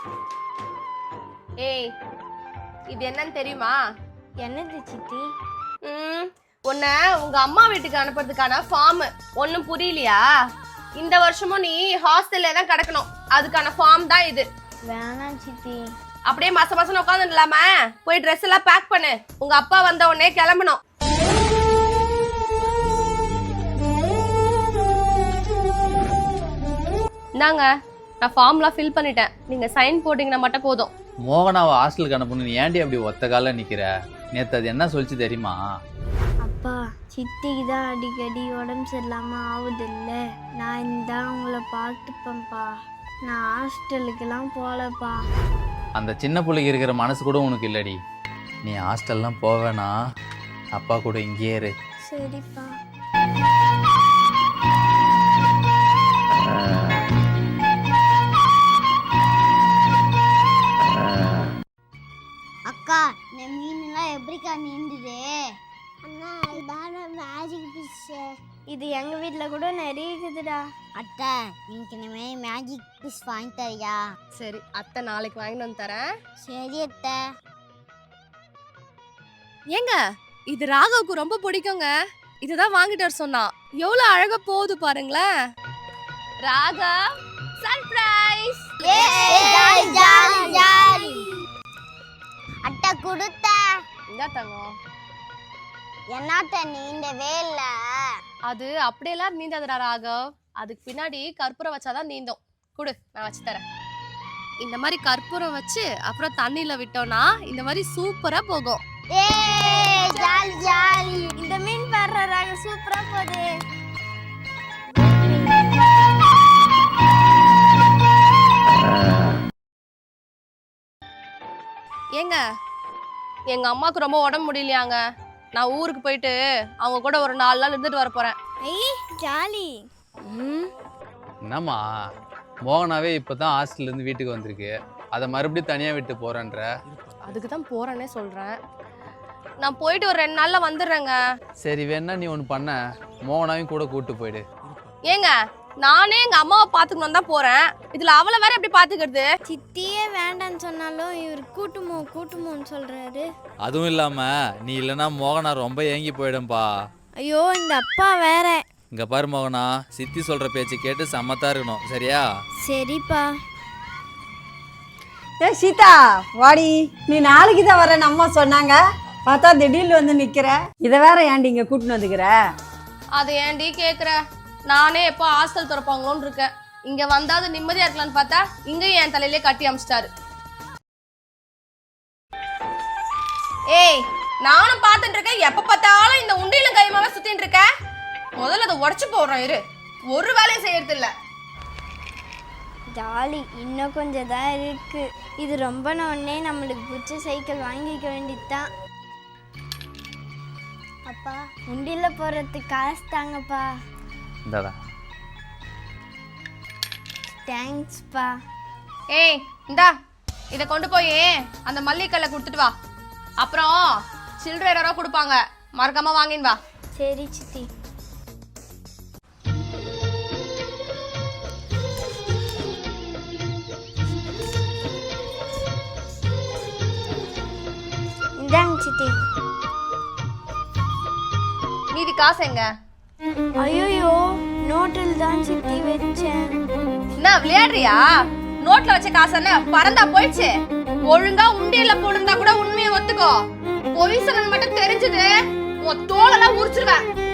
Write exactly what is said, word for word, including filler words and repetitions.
ஏய், இது என்னன்னு தெரியுமா? என்னது சித்தி? ம் உன்னை உங்க அம்மா வீட்டுக்கு அனுப்புறதுக்கான ஃபார்ம். ஒன்னும் புரியலையா? இந்த வருஷமும் நீ ஹாஸ்டல்ல தான் கிடக்கணும். அதுக்கான ஃபார்ம் தான் இது. வேணாம் சித்தி. அப்படியே மாசம் மாசம் உட்காந்து இல்லாம போய் ட்ரெஸ் எல்லாம் பேக் பண்ணு. உங்க அப்பா வந்த உடனே கிளம்பணும். இந்தாங்க, நான் ஃபார்ம்லாம் ஃபில் பண்ணிட்டேன். நீங்க சைன் போட்டீங்கன்னா மட்டும் போதும். மோகனாவை ஹாஸ்டலுக்கு அனுப்பணும். ஏன்டி அப்படி ஒத்த கால நிக்கிற? நேத்து அது என்ன சொல்லிச்சு தெரியுமா? அப்பா, சித்திக்கு தான் அடிக்கடி உடம்பு சரியில்லாம ஆகுது இல்ல, நான் இந்த உங்களை பார்த்துப்பேன்ப்பா. நான் ஹாஸ்டலுக்கெல்லாம் போகலப்பா. அந்த சின்ன பிள்ளைக்கு இருக்கிற மனசு கூட உனக்கு இல்லடி. நீ ஹாஸ்டல்லாம் போவேனா, அப்பா கூட இங்கேயே இரு. சரிப்பா. அக்கா, இந்த மீன்லாம் எப்படிக்கா நீந்துது? அண்ணா, இதான மேஜிக் ஃபிஷ். இது எங்க வீட்ல கூட நிறைய இருக்குதுடா. அத்தை, நீங்க இனிமே மேஜிக் ஃபிஷ் வாங்கி தரியா? சரி, அத்தை நாளைக்கு வாங்கிட்டு வந்து தரேன். சரி அத்தை. ஏங்க, இது ராகவுக்கு ரொம்ப பிடிக்குங்க. இதுதான் வாங்கிட்டு வர சொன்னா. எவ்வளவு அழகா போகுது பாருங்களேன். Raga, surprise! Jolly jolly jolly. அத்தை கொடுத்த. இந்த தங்கம், என்னத்த நீந்தவே இல்ல? அது அப்படியெல்லாம் நீந்தாதுடா ராகவ். அதுக்கு பின்னாடி கற்பூரம் வச்சாதான் நீந்தும். குடு, நான் வச்சு தரேன். இந்த மாதிரி கற்பூரம் வச்சு அப்புறம் தண்ணியில விட்டோம்னா இந்த மாதிரி சூப்பரா போகும். ஏ ஜாலி ஜாலி. இந்த மீன் வர்றாங்க, சூப்பரா போகுது. ஏங்க, எங்க அம்மாவுக்கு ரொம்ப உடம்பு முடியலையாங்க. நான் ஊருக்கு போயிட்டு அவங்க கூட ஒரு நாலு நாள் இருந்துட்டு வர போறேன். ஐ ஜாலி. ம் என்னம்மா, மோகனாவே இப்பதான் ஹாஸ்டல்ல இருந்து வீட்டுக்கு வந்திருக்கு. அதை மறுபடியும் தனியா விட்டு போறேன்ற? அதுக்கு தான் போறேன்னே சொல்றேன். நான் போயிட்டு ஒரு ரெண்டு நாள்ல வந்துடுறேங்க. சரி, வேணா நீ ஒன்று பண்ண, மோகனாவையும் கூட கூட்டு போயிடு. ஏங்க, நானே எங்க அம்மாவை பாத்துக்கணும் தான் போறேன். இதுல அவளை வேற எப்படி பாத்துக்கிறது? சித்தியே வேண்டான்னு சொன்னாலும் இவர் கூட்டுமோ கூட்டுமோன்னு சொல்றாரு. அதுவும் இல்லாம நீ இல்லைன்னா மோகனா ரொம்ப ஏங்கி போயிடும்பா. ஐயோ, இந்த அப்பா வேற. இங்க பாரு மோகனா, சித்தி சொல்ற பேச்சு கேட்டு சமத்தா இருக்கணும், சரியா? சரிப்பா. ஏ சீதா, வாடி. நீ நாளைக்கு தான் வரேன்னு அம்மா சொன்னாங்க. பார்த்தா திடீர்னு வந்து நிக்கிற. இதை வேற ஏன்டி இங்க கூட்டின்னு வந்துக்கிற? அது ஏன்டி கேக்குற? நானே எப்போ ஹாஸ்டல் திறப்பாங்களோன்னு இருக்கேன். இங்க வந்தாது நிம்மதியா இருக்கலாம்னு பார்த்தா இங்கேயும் என் தலையிலே கட்டி அமிச்சிட்டாரு. ஏய், நானும் பார்த்துட்டு இருக்கேன். எப்ப பார்த்தாலும் இந்த உண்டியில கைமாவே சுத்திட்டு இருக்க. முதல்ல அதை உடச்சு போடுறோம் இரு. ஒரு வேலையும் செய்யறது இல்ல. ஜாலி, இன்னும் கொஞ்சம் தான் இருக்கு. இது ரொம்ப உடனே நம்மளுக்கு பிடிச்ச சைக்கிள் வாங்கிக்க வேண்டியதுதான். அப்பா, உண்டியில போறதுக்கு காசு தாங்கப்பா. இந்தாடா. தேங்க்ஸ்ப்பா. ஏய், இந்தா இதை கொண்டு போய் அந்த மல்லிகைக்கல்ல கொடுத்துட்டு வா. அப்புறம் சில்லறை யாரோ கொடுப்பாங்க, மறக்காம வாங்கின்னு வா. சரி சித்தி. இந்தாங்க சித்தி. மீதி காசு எங்க? ஐயோ, நோட்டில் தான் சித்தி வச்சேன். என்ன விளையாடுறியா? நோட்ல வச்ச காசு என்ன பறந்தா போயிடுச்சு? ஒழுங்கா உண்டியல்ல போடுறதா கூட உண்மையை ஒத்துக்கோ. பொய் சொன்னது மட்டும் தெரிஞ்சது உன் தோலெல்லாம் உரிச்சிருவேன்.